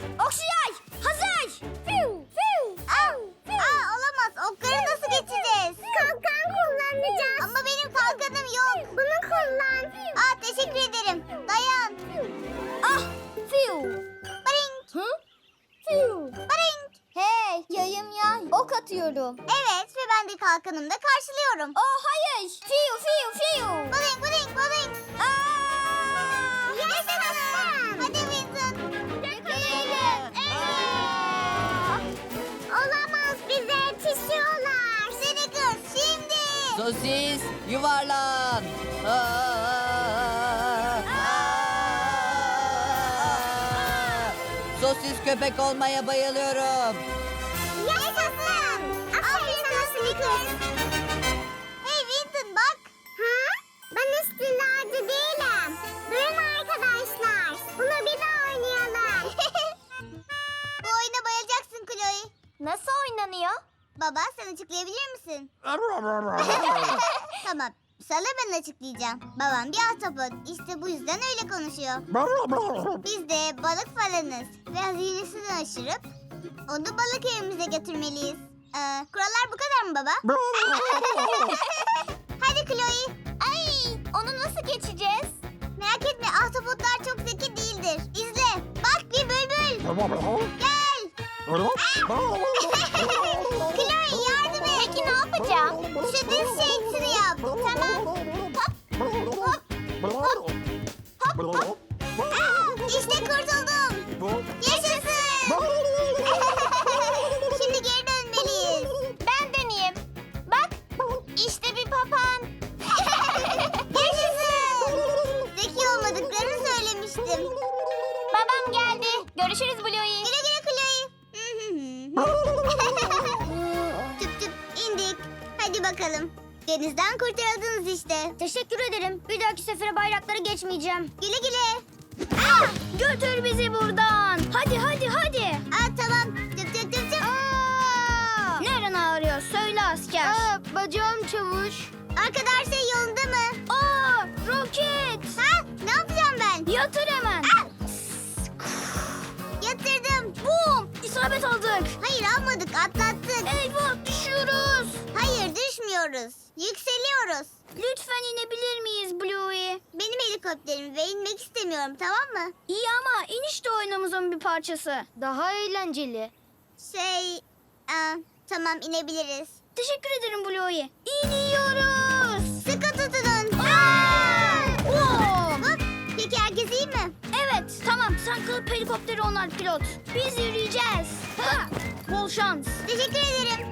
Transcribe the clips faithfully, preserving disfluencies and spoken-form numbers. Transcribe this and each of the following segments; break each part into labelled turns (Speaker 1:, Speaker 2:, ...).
Speaker 1: Oksijay hazır. Fiu, fiu,
Speaker 2: Aa, aa, olamaz. Okları nasıl geçeceğiz?
Speaker 3: Kalkan kullanacağız.
Speaker 2: Ama benim kalkanım yok.
Speaker 3: Bunu kullan.
Speaker 2: Aa, teşekkür ederim. Dayan.
Speaker 1: Ah, fiu.
Speaker 2: Barink.
Speaker 1: Hı? Fiu.
Speaker 2: Barink.
Speaker 1: Hey, yayım ya. Ok atıyorum.
Speaker 2: Evet ve ben de kalkanımda karşılıyorum.
Speaker 1: Oh hayır. Fiu, fiu, fiu.
Speaker 2: Barink, barink, barink.
Speaker 1: Aa!
Speaker 2: Yaşasın. Hadi Vincent.
Speaker 1: Yakalayalım.
Speaker 3: Olamaz, bize yetişiyorlar.
Speaker 2: Snickers şimdi.
Speaker 4: Sosis yuvarlan. Aa! Sosis köpek olmaya bayılıyorum.
Speaker 2: Yaşasın. Aferin sana Snickers. Hey Vincent bak.
Speaker 3: Ha? Ben istilacı değilim. Durun arkadaşlar. Bunu bir daha oynayalım.
Speaker 2: Bu oyuna bayılacaksın Chloe.
Speaker 1: Nasıl oynanıyor?
Speaker 2: Baba sen açıklayabilir misin? Tamam. Sana ben açıklayacağım. Babam bir ahtapot. İşte bu yüzden öyle konuşuyor. Biz de balık falanız. Ve hazinesini aşırıp onu balık evimize götürmeliyiz. Ee, kurallar bu kadar mı baba? Hadi Chloe.
Speaker 1: Ay, onu nasıl geçeceğiz?
Speaker 2: Merak etme ahtapotlar çok zeki değildir. İzle. Bak bir bülbül. Gel. Chloe yardım et.
Speaker 1: Peki ne yapacağım?
Speaker 2: Şu düz şeysini yap. Tamam. İşte kurtuldum. Yaşasın. Şimdi geri dönmeliyiz.
Speaker 1: Ben deneyeyim. Bak, işte bir papağan.
Speaker 2: Yaşasın. Zeki olmadıklarını söylemiştim.
Speaker 1: Babam geldi. Görüşürüz Bluey.
Speaker 2: Güle güle Chloe. Tüp tüp indik. Hadi bakalım. Denizden kurtarıldınız işte.
Speaker 1: Teşekkür ederim. Bir dahaki sefere bayrakları geçmeyeceğim.
Speaker 2: Güle güle.
Speaker 1: Ah, götür bizi buradan. Hadi hadi hadi.
Speaker 2: Aa, tamam. Tüp tüp tüp tüp.
Speaker 1: Neren ağrıyor? Söyle asker. Aa, bacağım çavuş.
Speaker 2: Arkada her şey yolunda mı?
Speaker 1: Aa, roket.
Speaker 2: Ha? Ne yapacağım ben?
Speaker 1: Yatır hemen.
Speaker 2: Yatırdım.
Speaker 1: Bum, isabet aldık.
Speaker 2: Hayır almadık atlattık.
Speaker 1: Eyvah, düşüyoruz.
Speaker 2: Hayır düşmüyoruz. Yükseliyoruz.
Speaker 1: Lütfen inebilir miyiz Bluey?
Speaker 2: Benim helikopterim ve inmek istemiyorum tamam mı?
Speaker 1: İyi ama iniş de oyunumuzun bir parçası. Daha eğlenceli.
Speaker 2: Şey... Aa, tamam inebiliriz.
Speaker 1: Teşekkür ederim Bluey. İniyoruz.
Speaker 2: Sıkı tutunun.
Speaker 1: Oo!
Speaker 2: Hop. Peki herkes iyi mi?
Speaker 1: Evet, tamam. Sen kalıp helikopteri onar pilot. Biz yürüyeceğiz. Ha! Bol şans.
Speaker 2: Teşekkür ederim.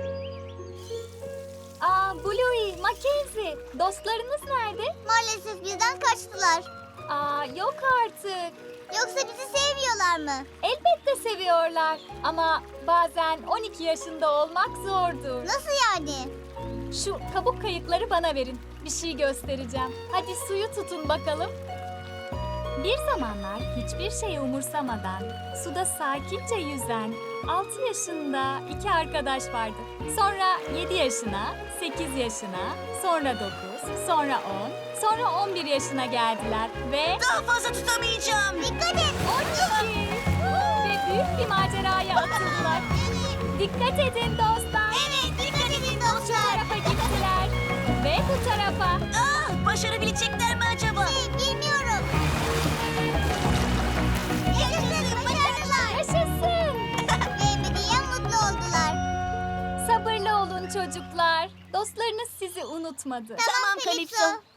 Speaker 5: Aa, Bluey, Mackenzie, dostlarınız nerede?
Speaker 2: Maalesef bizden kaçtılar.
Speaker 5: Aa, yok artık.
Speaker 2: Yoksa bizi sevmiyorlar mı?
Speaker 5: Elbette seviyorlar ama bazen on iki yaşında olmak zordur.
Speaker 2: Nasıl yani?
Speaker 5: Şu kabuk kayıkları bana verin. Bir şey göstereceğim. Hadi suyu tutun bakalım. Bir zamanlar hiçbir şey umursamadan suda sakince yüzen altı yaşında iki arkadaş vardı. Sonra yedi yaşına, sekiz yaşına, sonra dokuz, sonra on, sonra on bir yaşına geldiler ve
Speaker 4: Daha fazla tutamayacağım.
Speaker 2: Dikkat et.
Speaker 5: on iki ve büyük bir maceraya atıldılar. Dikkat edin dostlar.
Speaker 2: Evet dikkat edin
Speaker 5: Bu
Speaker 2: dostlar.
Speaker 5: tarafa gittiler ve bu tarafa.
Speaker 4: Aa, başarabilecekler mi acaba?
Speaker 2: Şey, bilmiyorum. Yaşasın başarılar.
Speaker 5: Yaşasın.
Speaker 2: Ve ebediyen mutlu oldular.
Speaker 5: Sabırlı olun çocuklar. Dostlarınız sizi unutmadı.
Speaker 2: Tamam Kalipso.